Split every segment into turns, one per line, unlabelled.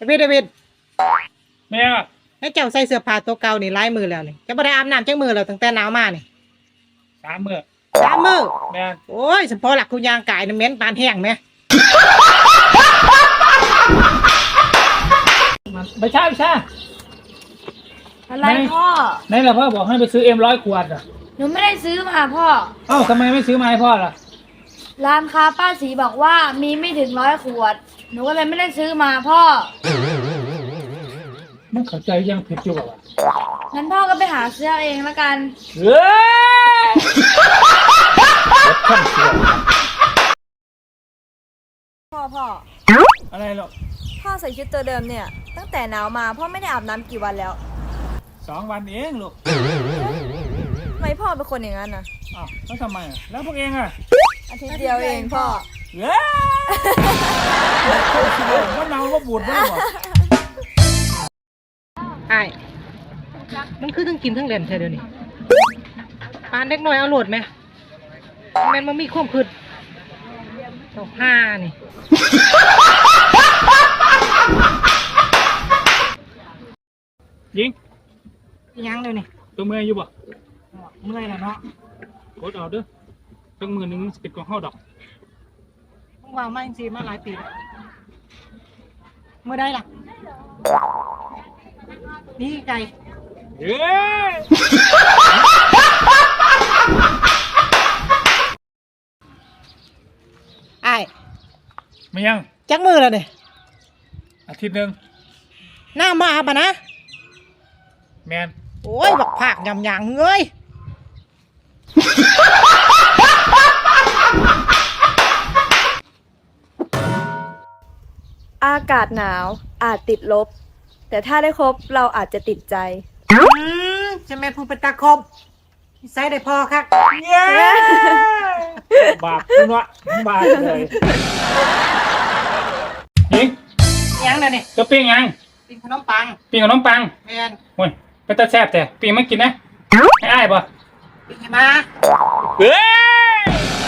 เดวิด
แม่อะ
ให้เจ้าใส่เสื้อผ้าตัวเก่านี่หลายมือแล้วนี่จะบ่ได้อาบน้ำจักมือแล้วตั้งแต่หนาวมานี่
3 มื้อ
3 มื้อ
แม่
โอ้ยเฉพาะหลักคุณยางกายน่ะเหม็นปานแห้งแหม
ไม่ใช่
อะไรพ่อ
ไหนล่ะพ่อบอกให้ไปซื้อ100 ขวดอ่ะ
หนูไม่ได้ซื้อมาพ่อ
เอ้าทำไมไม่ซื้อมาให้พ่อล่ะ
ร้านค้าป้าสีบอกว่ามีไม่ถึง100 ขวดหนูก็เลยไม่ได้ซื้อมาพ่อ
มันเข้าใจยังผิดอยู่ป่ะ
งั้นพ่อก็ไปหาซื้อเองละกัน
เฮ้ย
พ่อ
อะไรหรอก
พ่อใส่ชุดตัวเดิมเนี่ยตั้งแต่หนาวมาพ่อไม่ได้อาบน้ำกี่วันแล้ว
2 วันเองลูก
ทำไมพ่อเป็นคนอย่างนั้นนะ
อ้าวแล้วทำไมอ่ะแล้วพวกเองอ่ะ
อาทิตย์เดียวเองพ่อ
เฮ้ยว่าเนาว่าบูดไม่หรอ
ไอ้มันคือทั้งกินทั้งเล่นใช่เดี๋ยวนี้ปานเด็กน้อยเอาโหลดไหมแม่นมันมีความคืดต่อ5นี่
ยิง
ยังเดี๋ยวนี้
ตัวเมื่อยอยู่บ่
เมื่อยแล้วเนาะ
กดเอาเด้อตั้งมือหนึ่งสิบกว่าข้อดอก
มึงว่ามาจริงๆมาหลายปีแล้วเมื่อได้ล่ะนี่ไก่
เฮ้ย
ไอ้
ไม่ยัง
จักมือแล้วเนี่ย
อาทิตย์หนึ่ง
หน้ามาปะนะ
แมน
โอ้ยบักผักยำยางเงย
อากาศหนาวอาจติดลบแต่ถ้าได้คบเราอาจจะติดใจ
จะแม่พูดเป็นตาคมใส่ได้พอครับเย้
บาปคุณวะบาปเลยยิง
ยังเลยนี่
จะปิ้งยัง
ปิ้งขนมปัง
ปิ้งขนมปัง
แมน
โอ้ยไปตาแซ่บแต่ปิ้งไม่กินนะให้อ้ายป่ะ
ปิ้งมา
เฮ้ย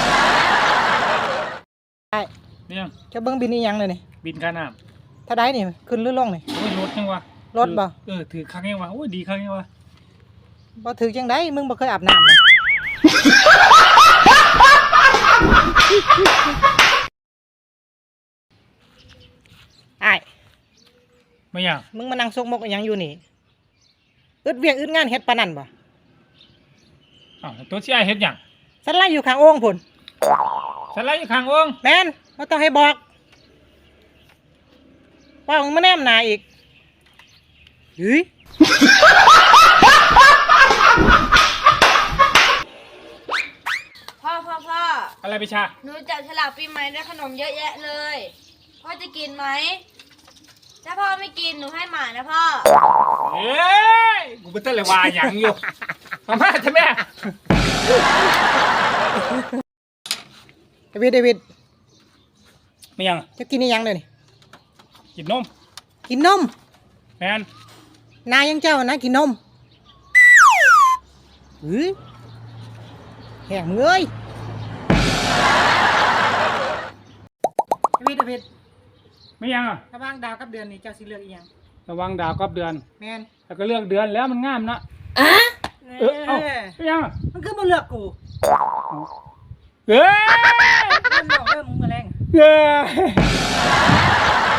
ไอ้
นี่ยัง
จะเบิ้งบินนี่ยังเลยนี่
บินค่าน้
ำถ้าได้นี่ขึ้นหรือลงนี่
โอ้ยรถยังวะ
รถบ่
ถือครั้งยังวะโอ้ยดีครั้งยังวะ
บ่ถือจังได้มึงบ่เคยอาบน้ำนะไอ้
ไม่ยัง
มึงมานั่งซกมกยังอยู่นี่อึดเวียงอึดงานเฮ็ดปานนั่นบ่
อ้าวตัวชี้ไอเฮ็ดยัง
ฉันไล่อยู่ข้างโอ่งพุ่น
ฉันไล่อยู่ข้างองค์
แม่นบ่ต้องให้บอกว่ามึงมาแนมหน้าอีกเฮ้ย
พ่อ
อะไรไปชา
หนูจับฉลากปีใหม่ได้ขนมเยอะแยะเลยพ่อจะกินไหมถ้าพ่อไม่กินหนูให้หมานะพ่อ
เฮ้ยกูเป็นต้นเลยวาอย่างอยู่มาม่าใช่ไหม
เดวิด
ไม่ยัง
จะกินนี่ยังเลยนี่
กินนมแมน
นายยังเจ้านะกินนมแห้งเงยเดวิด
ไม่ยังอ่ะ
ระวังดาวกับเดือนนี่เจ้าสิเลือกอีหยัง
ระวังดาวกับเดือน
แมน
แล้วก็เลือกเดือนแล้วมันงามนะไม่ยัง
มันคือบ่เลือกกู
เฮ้ย
มันบอกมึงมาแรง